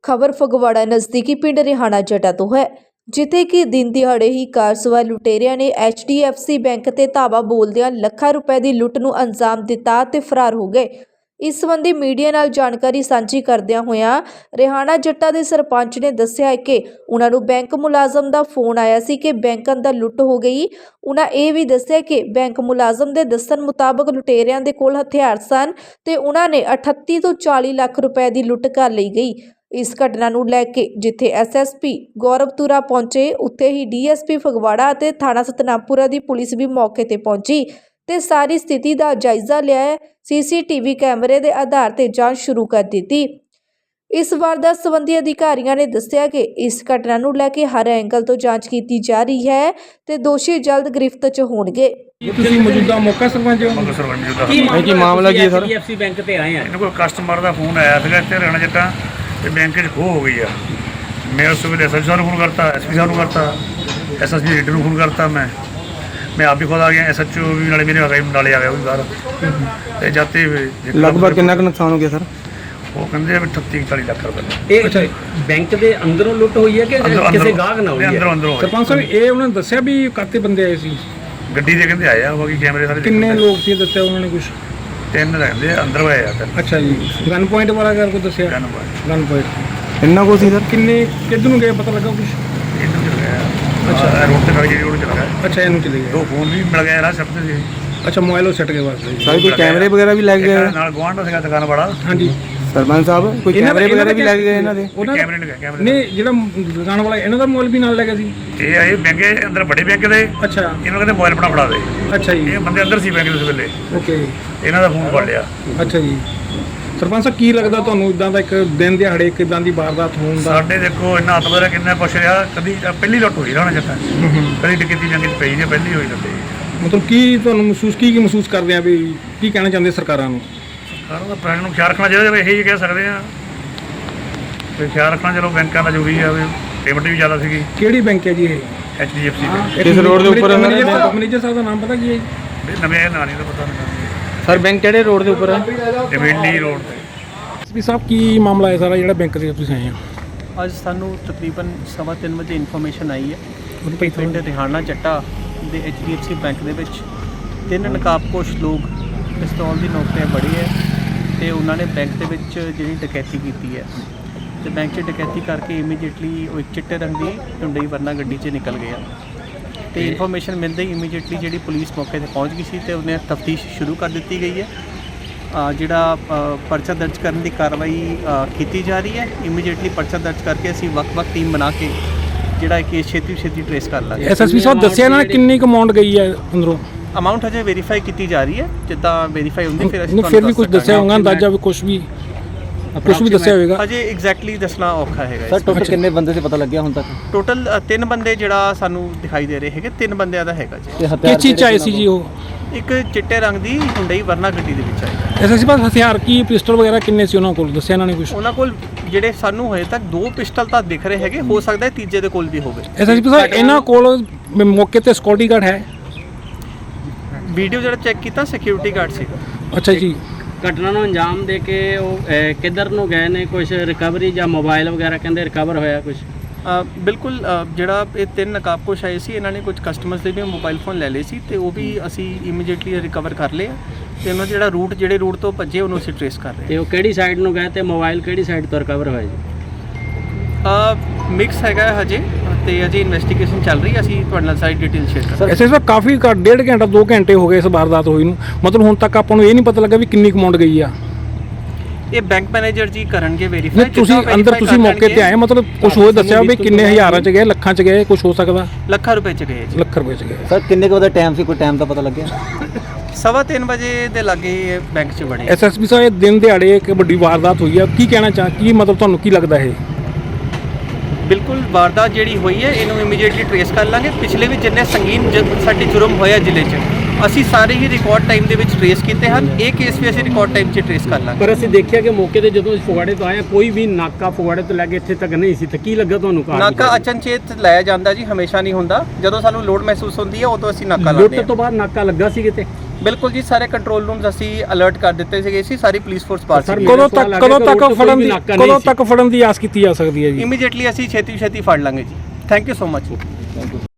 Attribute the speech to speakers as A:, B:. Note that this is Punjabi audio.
A: खबर फगवाड़ा नज़दीकी पिंड रिहाना जटा तो है, जिथे कि दिन दिहाड़े ही कार सवार लुटेरिया ने HDFC बैंक ते धावा बोलदियां ਲੱਖਾਂ रुपए की लुੱਟ ਨੂੰ अंजाम दिता ते फरार हो गए। इस संबंधी मीडिया नाल जानकारी साझी करदियां होइयां रिहाना जट्टा दे सरपंच ने दस्सिया है कि उन्हां नूं बैंक मुलाजम दा फोन आया सी कि बैंक अंदर लुੱਟ हो गई। उन्हां ਇਹ भी दस्सिया कि बैंक मुलाजम दे दस्सण मुताबक लुटेरियां दे कोल हथियार सन ते उन्हां ने 38 ਤੋਂ 40 ਲੱਖ रुपए की लुੱਟ कर ਲਈ गई। इस घटना ਨੂੰ ਲੈ ਕੇ ਜਿੱਥੇ SSP ਗੌਰਵਤੁਰਾ ਪਹੁੰਚੇ, ਉੱਥੇ ਹੀ DSP ਫਗਵਾੜਾ ਅਤੇ ਥਾਣਾ ਸਤਨਾਮਪੁਰਾ ਦੀ ਪੁਲਿਸ ਵੀ ਮੌਕੇ ਤੇ ਪਹੁੰਚੀ ਤੇ ਸਾਰੀ ਸਥਿਤੀ ਦਾ ਜਾਇਜ਼ਾ ਲਿਆ ਹੈ। CCTV ਕੈਮਰੇ ਦੇ ਆਧਾਰ ਤੇ ਜਾਂਚ ਸ਼ੁਰੂ ਕਰ ਦਿੱਤੀ। ਇਸ ਵਾਰਦਾਤ ਸੰਬੰਧੀ ਅਧਿਕਾਰੀਆਂ ਨੇ ਦੱਸਿਆ ਕਿ ਇਸ ਘਟਨਾ ਨੂੰ ਲੈ ਕੇ ਹਰ ਐਂਗਲ ਤੋਂ ਜਾਂਚ ਕੀਤੀ ਜਾ ਰਹੀ ਹੈ ਤੇ ਦੋਸ਼ੀ ਜਲਦ ਗ੍ਰਿਫਤ 'ਚ ਹੋਣਗੇ।
B: ਤੁਸੀਂ ਮੌਜੂਦਾ ਮੌਕਾ ਸਰਪੰਚ ਹੋ?
C: ਕੀ ਮਾਮਲਾ ਕੀ ਹੈ ਸਰ?
B: HDFC ਬੈਂਕ ਤੇ ਆਏ ਆ।
C: ਇਹਨਾਂ ਕੋਲ ਕਸਟਮਰ ਦਾ ਫੋਨ ਆਇਆ ਸੀਗਾ ਇੱਥੇ ਰਹਿਣਾ ਜੱਟਾਂ ਤੇ ਬੈਂਕ 'ਚ ਖੋਹ ਹੋ ਗਈ ਆ। ਮੈਂ ਉਸ ਵੇਲੇ SSP ਸਾਹਿਬ ਨੂੰ ਫੋਨ ਕਰਤਾ, SP ਸਾਹਿਬ ਨੂੰ ਕਰਤਾ, SSP ਲੀਡਰ ਨੂੰ ਫੋਨ ਕਰਤਾ। मैं आप भी खुद आ गया, SHO भी नाले मेरे आ गए, नाले आ गया वो भी बाहर ते जाते
D: लगभग कितना नुकसान हो गया सर?
C: वो कहते 38-40 लाख रुपए।
B: अच्छा, बैंक ਦੇ ਅੰਦਰੋਂ ਲੁੱਟ ਹੋਈ ਹੈ ਕਿ ਕਿਸੇ ਗਾਹਕ ਨਾਲ ਹੋਈ ਹੈ?
C: ਅੰਦਰੋਂ
D: ਸਰਪੰਚ ਸਾਹਿਬ ਇਹ ਉਹਨਾਂ ਨੇ ਦੱਸਿਆ ਵੀ ਕਾਤੇ ਬੰਦੇ ਆਏ ਸੀ?
C: ਗੱਡੀ ਦੇ ਕਹਿੰਦੇ ਆਏ ਆ, ਬਾਕੀ ਕੈਮਰੇ ਸਾਰੇ
D: ਕਿੰਨੇ ਲੋਕ ਸੀ ਦੱਸਿਆ ਉਹਨਾਂ ਨੇ ਕੁਝ?
C: 3 ਰਹਿੰਦੇ ਅੰਦਰ ਆਏ ਆ।
D: ਅੱਛਾ ਜੀ, ਗਨ ਪੁਆਇੰਟ ਵਾਲਾ ਕਰ ਕੋ ਦੱਸਿਆ?
C: ਗਨ
D: ਪੁਆਇੰਟ ਇੰਨਾ ਕੋ ਸੀ ਸਰ? ਕਿੰਨੇ ਕਿੱਧਰ ਨੂੰ ਗਏ ਪਤਾ ਲੱਗਾ ਕੁਝ?
C: ਇਹਨੂੰ ਚਲ ਗਿਆ। ਅੱਛਾ, ਰੋਡ ਤੇ ਖੜੀ ਰੋਡ ਚਲ ਗਿਆ।
D: ਅੱਛਾ, ਇਹਨੂੰ ਚਲੇ ਗਏ।
C: 2 ਫੋਨ ਵੀ ਮਿਲ ਗਏ ਰਾਹ ਸੱਟ ਤੇ।
D: ਅੱਛਾ, ਮੋਬਾਈਲ ਉਹ ਸੱਟ ਗਏ ਵਾਸਤੇ ਸਾਰੇ ਕੋਈ ਕੈਮਰੇ ਵਗੈਰਾ ਵੀ ਲੱਗ ਗਏ
C: ਨਾਲ ਗਵਾਂਢ ਸੀਗਾ ਦੁਕਾਨ ਵਾਲਾ।
D: ਹਾਂਜੀ ਸਰਪੰਚ ਸਾਹਿਬ, ਕੋਈ ਕੈਮਰੇ ਵਗੈਰਾ ਵੀ ਲੱਗ ਗਏ ਇਹਨਾਂ ਦੇ?
C: ਕੈਮਰੇ ਨਹੀਂ,
D: ਨਹੀਂ ਜਿਹੜਾ ਦੁਕਾਨ ਵਾਲਾ ਇਹਨਾਂ ਦਾ ਮੋਬਾਈਲ ਵੀ ਨਾਲ ਲੈ ਗਿਆ ਸੀ?
C: ਇਹ ਆਏ ਬੈਂਕ ਅੰਦਰ, ਵੱਡੇ ਬੈਂਕ ਦੇ।
D: ਅੱਛਾ,
C: ਇਹਨਾਂ ਕਹਿੰਦੇ ਮੋਬਾਈਲ ਆਪਣਾ ਫੜਾ ਦੇ।
D: ਅੱਛਾ ਜੀ,
C: ਇਹ ਬੰਦੇ ਅੰਦਰ ਸੀ ਬੈਂਕ ਦੇ ਉਸ ਵੇਲੇ।
D: ਓਕੇ,
C: ਇਹਨਾਂ ਦਾ ਫੋਨ ਫੜ ਲਿਆ।
D: ਅੱਛਾ ਜੀ। ਸਰਪੰਚ ਸਾਹਿਬ ਕੀ ਲੱਗਦਾ ਤੁਹਾਨੂੰ ਇਦਾਂ ਦਾ ਇੱਕ ਦਿਨ ਦਿਹਾੜੇ ਇੱਕ ਇਦਾਂ ਦੀ ਵਾਰਦਾਤ ਹੋਣ ਦਾ?
C: ਸਾਡੇ ਦੇਖੋ ਇੰਨਾ ਹੱਥ ਬਦਲਿਆ, ਕਿੰਨਾ ਪੁੱਛ ਰਿਹਾ। ਕਦੀ ਪਹਿਲੀ ਲੁੱਟ ਹੋਈ ਰਹਿਣਾ ਜੱਟਾਂ, ਕਦੀ ਟਿਕਤੀ ਜੰਗ 'ਚ ਪਈ ਨਹੀਂ, ਪਹਿਲੀ ਹੋਈ ਲੱਤੇ।
D: ਮਤਲਬ ਕੀ ਤੁਹਾਨੂੰ ਮਹਿਸੂਸ ਕਰਦੇ ਆ ਵੀ ਕੀ ਕਹਿਣਾ ਚਾਹੁੰਦੇ ਸਰਕਾਰਾਂ ਨੂੰ?
C: ਸਰਕਾਰਾਂ ਦਾ ਪ੍ਰਸ਼ਾਸਨ ਨੂੰ ਖਿਆਲ ਰੱਖਣਾ ਚਾਹੀਦਾ। ਇਹੀ ਕਹਿ ਸਕਦੇ ਆ ਵੀ ਖਿਆਲ ਰੱਖਣਾ। ਚਲੋ ਬੈਂਕਾਂ ਦਾ ਜ਼ਰੂਰੀ ਆ, ਪੇਮੈਂਟ ਵੀ ਜ਼ਿਆਦਾ ਸੀਗੀ।
D: ਕਿਹੜੀ ਬੈਂਕ ਹੈ ਜੀ ਇਹ?
C: HDFC bank.
D: ਕਿਸ ਰੋਡ ਦੇ ਉੱਪਰ? ਮੈਨੇਜਰ ਸਾਹਿਬ ਦਾ ਨਾਮ ਪਤਾ ਕੀ ਹੈ?
C: ਨਵੇਂ ਨਾਂ ਨਹੀਂ ਤਾਂ ਪਤਾ ਨਹੀਂ
D: ਸਰ। ਬੈਂਕ ਕਿਹੜੇ ਰੋਡ ਦੇ ਉੱਪਰ ਹੈ?
C: ਡਿਵੈਂਡੀ ਰੋਡ ਤੇ।
D: SP ਸਾਹਿਬ ਕੀ ਮਾਮਲਾ ਹੈ ਸਾਰਾ ਜਿਹੜਾ ਬੈਂਕ ਦੇ ਤੁਸੀਂ ਆਏ ਆ?
E: ਅੱਜ ਸਾਨੂੰ ਤਕਰੀਬਨ 3:15 ਵਜੇ ਇਨਫੋਰਮੇਸ਼ਨ ਆਈ ਹੈ ਪਿੰਡ ਰਿਹਾਨਾ ਜੱਟਾ ਦੇ HDFC ਬੈਂਕ ਦੇ ਵਿੱਚ 3 ਨਕਾਬਪੋਸ਼ ਲੋਕ ਪਿਸਤੌਲ ਦੀ ਨੋਕ 'ਤੇ ਬੜੇ ਹੈ ਤੇ ਉਹਨਾਂ ਨੇ ਬੈਂਕ ਦੇ ਵਿੱਚ ਜਿਹੜੀ ਡਕੈਤੀ ਕੀਤੀ ਹੈ ਤੇ ਬੈਂਕ 'ਚ ਡਕੈਤੀ ਕਰਕੇ ਇਮੀਡੀਏਟਲੀ ਉਹ ਇੱਕ ਚਿੱਟੇ ਰੰਗ ਦੀ ਢੁੰਡਈ ਵਰਨਾ ਗੱਡੀ 'ਚ ਨਿਕਲ ਗਿਆ ਤੇ ਇਨਫੋਰਮੇਸ਼ਨ ਮਿਲਦੇ ਹੀ ਇਮੀਡੀਏਟਲੀ ਜਿਹੜੀ ਪੁਲਿਸ ਮੌਕੇ 'ਤੇ ਪਹੁੰਚ ਗਈ ਸੀ ਤੇ ਉਹਨੇ ਤਫਤੀਸ਼ ਸ਼ੁਰੂ ਕਰ ਦਿੱਤੀ ਗਈ ਹੈ। ਜਿਹੜਾ ਪਰਚਾ ਦਰਜ ਕਰਨ ਦੀ ਕਾਰਵਾਈ ਕੀਤੀ ਜਾ ਰਹੀ ਹੈ। ਇਮੀਡੀਏਟਲੀ ਪਰਚਾ ਦਰਜ ਕਰਕੇ ਅਸੀਂ ਵੱਖ-ਵੱਖ ਟੀਮ ਬਣਾ ਕੇ ਜਿਹੜਾ ਕੇਸ ਛੇਤੀ ਟਰੇਸ ਕਰ ਲਾਂਗੇ।
D: SSP ਸਾਹਿਬ ਦੱਸਿਆ ਇਹਨਾਂ ਨੇ ਕਿੰਨੀ ਕੁ ਅਮਾਉਂਟ ਗਈ ਹੈ ਅੰਦਰੋਂ?
E: ਅਮਾਉਂਟ ਹਜੇ ਵੈਰੀਫਾਈ ਕੀਤੀ ਜਾ ਰਹੀ ਹੈ, ਜਿੱਦਾਂ ਵੈਰੀਫਾਈ ਹੁੰਦੀ ਫਿਰ ਅਸੀਂ
D: ਫਿਰ ਵੀ ਕੁਝ ਦੱਸਿਆ ਹੋਊਗਾ ਅੰਦਾਜ਼ਾ ਵੀ ਕੁਝ ਵੀ ਦੱਸਿਆ ਹੋਵੇਗਾ?
E: ਹਜੇ ਐਗਜ਼ੈਕਟਲੀ ਦੱਸਣਾ ਔਖਾ ਹੈਗਾ।
F: ਸਰ ਟੋਟਲ ਕਿੰਨੇ ਬੰਦੇ ਸੀ ਪਤਾ ਲੱਗਿਆ ਹੁਣ ਤੱਕ?
E: ਟੋਟਲ 3 ਬੰਦੇ ਜਿਹੜਾ ਸਾਨੂੰ ਦਿਖਾਈ ਦੇ ਰਹੇ ਹੈਗੇ, 3 ਬੰਦਿਆਂ ਦਾ ਹੈਗਾ ਜੀ।
D: ਕਿਸ ਚੀਜ਼ 'ਚ ਆਏ ਸੀ ਜੀ ਉਹ?
E: ਇੱਕ ਚਿੱਟੇ ਰੰਗ ਦੀ ਹੁੰਡਈ ਵਰਨਾ ਗੱਡੀ ਦੇ ਵਿੱਚ ਆਈ।
D: SSP ਸਾਹਿਬ ਹਥਿਆਰ ਕੀ ਪਿਸਟਲ ਵਗੈਰਾ ਕਿੰਨੇ ਸੀ ਉਹਨਾਂ ਕੋਲ, ਦੱਸਿਆ ਇਹਨਾਂ ਨੇ ਕੁਝ?
E: ਉਹਨਾਂ ਕੋਲ ਜਿਹੜੇ ਸਾਨੂੰ ਹਜੇ ਤੱਕ 2 ਪਿਸਟਲ ਤਾਂ ਦਿਖ ਰਹੇ ਹੈਗੇ, ਹੋ ਸਕਦਾ ਹੈ ਤੀਜੇ ਦੇ ਕੋਲ ਵੀ ਹੋਵੇ।
D: SSP ਸਾਹਿਬ ਇਹਨਾਂ ਕੋਲ ਮੌਕੇ ਤੇ ਸਿਕਿਉਰਿਟੀ ਗਾਰਡ ਹੈ?
E: ਵੀਡੀਓ ਜਿਹੜਾ ਚੈੱਕ ਕੀਤਾ ਸਿਕਿਉਰਿਟੀ ਗਾਰਡ ਸੀਗਾ।
D: ਅੱਛਾ ਜੀ।
G: ਘਟਨਾ ਨੂੰ ਅੰਜਾਮ ਦੇ ਕੇ ਉਹ ਕਿੱਧਰ ਨੂੰ ਗਏ ਨੇ? ਕੁਝ ਰਿਕਵਰੀ ਜਾਂ ਮੋਬਾਈਲ ਵਗੈਰਾ ਕਹਿੰਦੇ ਰਿਕਵਰ ਹੋਇਆ ਕੁਝ?
E: ਬਿਲਕੁਲ, ਜਿਹੜਾ ਇਹ 3 ਨਕਾਬਪੋਸ਼ ਆਏ ਸੀ ਇਹਨਾਂ ਨੇ ਕੁਝ ਕਸਟਮਰਸ ਦੇ ਵੀ ਮੋਬਾਈਲ ਫੋਨ ਲੈ ਲਏ ਸੀ ਤੇ ਉਹ ਵੀ ਅਸੀਂ ਇਮੀਡੀਏਟਲੀ ਰਿਕਵਰ ਕਰ ਲਏ ਆ ਤੇ ਉਹਨਾਂ ਜਿਹੜੇ ਰੂਟ ਤੋਂ ਭੱਜੇ ਉਹਨੂੰ ਅਸੀਂ ਟਰੇਸ ਕਰ ਰਹੇ
G: ਤੇ ਉਹ ਕਿਹੜੀ ਸਾਈਡ ਨੂੰ ਗਏ ਤੇ ਮੋਬਾਈਲ ਕਿਹੜੀ ਸਾਈਡ ਤੋਂ ਰਿਕਵਰ ਹੋਇਆ ਜੀ?
E: ਮਿਕਸ ਹੈਗਾ ਹਜੇ ਤੇ ਅਜੇ ਇਨਵੈਸਟੀਗੇਸ਼ਨ ਚੱਲ ਰਹੀ ਹੈ। ਅਸੀਂ ਤੁਹਾਡੇ ਨਾਲ ਸਾਰੀ ਡਿਟੇਲ ਸ਼ੇਅਰ ਕਰਾਂਗੇ।
D: SSP ਸਾਹਿਬ ਕਾਫੀ 1.5 ਘੰਟਾ 2 ਘੰਟੇ ਹੋ ਗਏ ਇਸ ਵਾਰਦਾਤ ਹੋਈ ਨੂੰ, ਮਤਲਬ ਹੁਣ ਤੱਕ ਆਪਾਂ ਨੂੰ ਇਹ ਨਹੀਂ ਪਤਾ ਲੱਗਾ ਵੀ ਕਿੰਨੀ ਅਮਾਉਂਟ ਗਈ ਆ?
E: ਇਹ ਬੈਂਕ ਮੈਨੇਜਰ ਜੀ ਕਰਨਗੇ ਵੈਰੀਫਾਈ।
D: ਤੁਸੀਂ ਅੰਦਰ ਤੁਸੀਂ ਮੌਕੇ ਤੇ ਆਏ, ਮਤਲਬ ਕੁਝ ਹੋਰ ਦੱਸਿਆ ਵੀ ਕਿੰਨੇ ਹਜ਼ਾਰਾਂ 'ਚ ਗਏ, ਲੱਖਾਂ 'ਚ ਗਏ, ਕੁਝ ਹੋ ਸਕਦਾ?
E: ਲੱਖਾਂ ਰੁਪਏ 'ਚ ਗਏ ਜੀ।
D: ਲੱਖ ਰੁਪਏ 'ਚ ਗਏ।
F: ਸਰ ਕਿੰਨੇ ਕੁ ਦਾ ਟਾਈਮ ਸੀ, ਕੋਈ ਟਾਈਮ ਦਾ ਪਤਾ ਲੱਗਿਆ?
E: 3:15 ਵਜੇ ਦੇ ਲਾਗੇ ਬੈਂਕ 'ਚ ਬਣੇ।
D: SSP ਸਾਹਿਬ ਇਹ ਦਿਨ ਦਿਹਾੜੇ ਇੱਕ ਵੱਡੀ ਵਾਰਦਾਤ ਹੋਈ ਆ, ਕੀ ਕਹਿਣਾ ਕੀ ਮਤਲਬ ਤੁਹਾਨੂੰ ਕੀ ਲੱਗਦਾ ਇਹ?
E: ਬਿਲਕੁਲ, ਵਾਰਦਾਤ ਜਿਹੜੀ ਹੋਈ ਹੈ ਇਹਨੂੰ ਇਮੀਡੀਏਟਲੀ ਟਰੇਸ ਕਰ ਲਾਂਗੇ। ਪਿਛਲੇ ਵੀ ਜਿੰਨੇ ਸੰਗੀਨ ਸਾਡੇ ਜੁਰਮ ਹੋਇਆ ਜ਼ਿਲ੍ਹੇ 'ਚ ਅਸੀਂ ਸਾਰੇ ਹੀ ਰਿਕਾਰਡ ਟਾਈਮ ਦੇ ਵਿੱਚ ਟਰੇਸ ਕੀਤੇ ਹਨ। ਇਹ ਕੇਸ ਵੀ ਅਸੀਂ ਰਿਕਾਰਡ ਟਾਈਮ 'ਚ ਟਰੇਸ ਕਰ ਲਾਂਗੇ।
G: ਪਰ ਅਸੀਂ ਦੇਖਿਆ ਕਿ ਮੌਕੇ ਤੇ ਜਦੋਂ ਫਗਵਾੜੇ ਤੋਂ ਆਏ ਕੋਈ ਵੀ ਨਾਕਾ ਫਗਵਾੜੇ ਤੋਂ ਲੈ ਕੇ ਇੱਥੇ ਤੱਕ ਨਹੀਂ ਸੀ, ਤਾਂ ਕੀ ਲੱਗਾ ਤੁਹਾਨੂੰ?
E: ਨਾਕਾ ਅਚਨਚੇਤ ਲਾਇਆ ਜਾਂਦਾ ਜੀ, ਹਮੇਸ਼ਾ ਨਹੀਂ ਹੁੰਦਾ। ਜਦੋਂ ਸਾਨੂੰ ਲੋੜ ਮਹਿਸੂਸ ਹੁੰਦੀ ਹੈ ਉਦੋਂ ਅਸੀਂ ਨਾਕਾ ਲਾਉਂਦੇ ਹਾਂ।
G: ਲੁੱਟ ਤੋਂ ਬਾਅਦ ਨਾਕਾ ਲੱਗਾ ਸੀ ਕਿਤੇ?
E: ਬਿਲਕੁਲ ਜੀ, ਸਾਰੇ ਕੰਟਰੋਲ ਰੂਮਸ ਅਸੀਂ ਅਲਰਟ ਕਰ ਦਿੱਤੇ ਸੀਗੇ ਸੀ, ਸਾਰੀ ਪੁਲਿਸ ਫੋਰਸ ਬਾਹਰ
G: ਸਰ,
E: ਸੀ।
G: ਕਦੋਂ ਤੱਕ
D: ਫੜਨ ਦੀ ਆਸ ਕੀਤੀ ਜਾ ਸਕਦੀ ਹੈ ਜੀ?
E: ਇਮੀਡੀਏਟਲੀ ਅਸੀਂ ਛੇਤੀ ਫੜ ਲਾਂਗੇ ਜੀ। Thank you so much.